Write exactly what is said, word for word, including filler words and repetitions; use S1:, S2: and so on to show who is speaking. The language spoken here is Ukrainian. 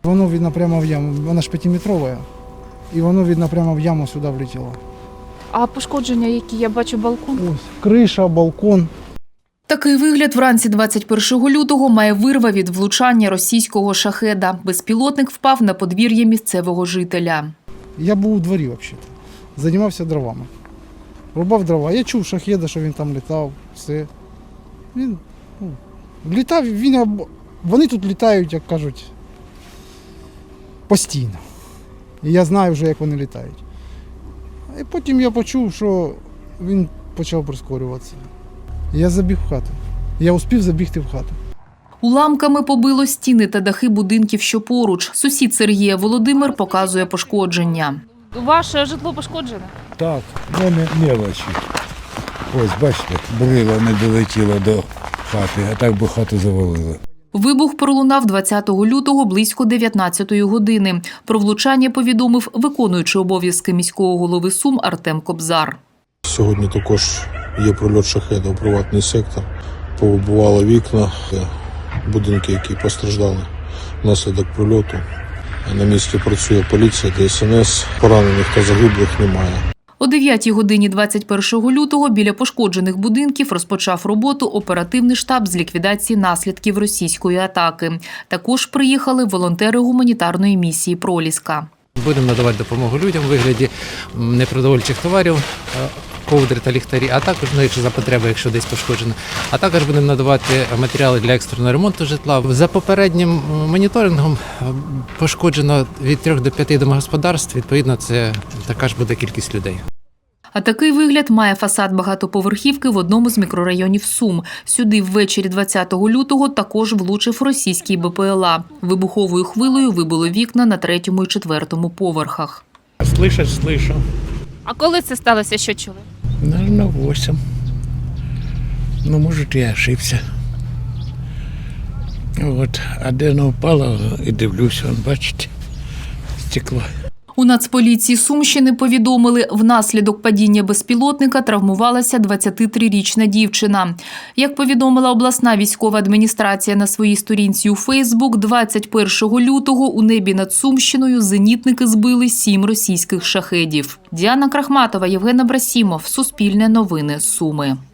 S1: Воно, видно, прямо в яму. Вона ж п'ятиметрова. І воно, видно, прямо в яму сюди влетіло.
S2: А пошкодження які? Я бачу балкон.
S1: Ось, криша, балкон.
S2: Такий вигляд вранці двадцять першого лютого має вирва від влучання російського шахеда. Безпілотник впав на подвір'я місцевого жителя.
S1: Я був у дворі, взагалі. Займався дровами. Рубав дрова. Я чув шахеда, що він там літав. Все. Він ну, літав, він, вони тут літають, як кажуть, постійно. І я знаю вже, як вони літають. І потім я почув, що він почав прискорюватися. Я забіг в хату. Я успів забігти в хату.
S2: Уламками побило стіни та дахи будинків, що поруч. Сусід Сергія Володимир показує пошкодження. Ваше житло пошкоджене?
S3: Так, ну не мелочі. Ось, бачите, брила не долетіла до хати, а так би хату завалило.
S2: Вибух пролунав двадцятого лютого близько дев'ятнадцятої години. Про влучання повідомив виконуючий обов'язки міського голови Сум Артем Кобзар.
S4: Сьогодні також є прильот шахеда у приватний сектор. Повибивали вікна, будинки, які постраждали внаслідок прильоту. На місці працює поліція, Де Ес Ен Ес. Поранених та загиблих немає.
S2: О дев'ятій годині двадцять першого лютого біля пошкоджених будинків розпочав роботу оперативний штаб з ліквідації наслідків російської атаки. Також приїхали волонтери гуманітарної місії «Проліска».
S5: Будемо надавати допомогу людям у вигляді непродовольчих товарів, ковдри та ліхтарі, а також, ну, якщо за потреби, якщо десь пошкоджено. А також будемо надавати матеріали для екстреного ремонту житла. За попереднім моніторингом пошкоджено від трьох до п'яти домогосподарств, відповідно, це така ж буде кількість людей.
S2: А такий вигляд має фасад багатоповерхівки в одному з мікрорайонів Сум. Сюди ввечері двадцятого лютого також влучив російський Бе Пе Ел А. Вибуховою хвилею вибило вікна на третьому і четвертому поверхах.
S6: Слышать слышу.
S2: А коли це сталося, що чули?
S6: Наверное, восемь. Ну, может, я ошибся. Вот, а де воно впало, і дивлюся, он, бачите, стекло.
S2: У Нацполіції Сумщини повідомили, внаслідок падіння безпілотника травмувалася двадцятитрирічна дівчина. Як повідомила обласна військова адміністрація на своїй сторінці у Фейсбук, двадцять першого лютого у небі над Сумщиною зенітники збили сім російських шахедів. Діана Крахматова, Євген Абрасімов, Суспільне новини, Суми.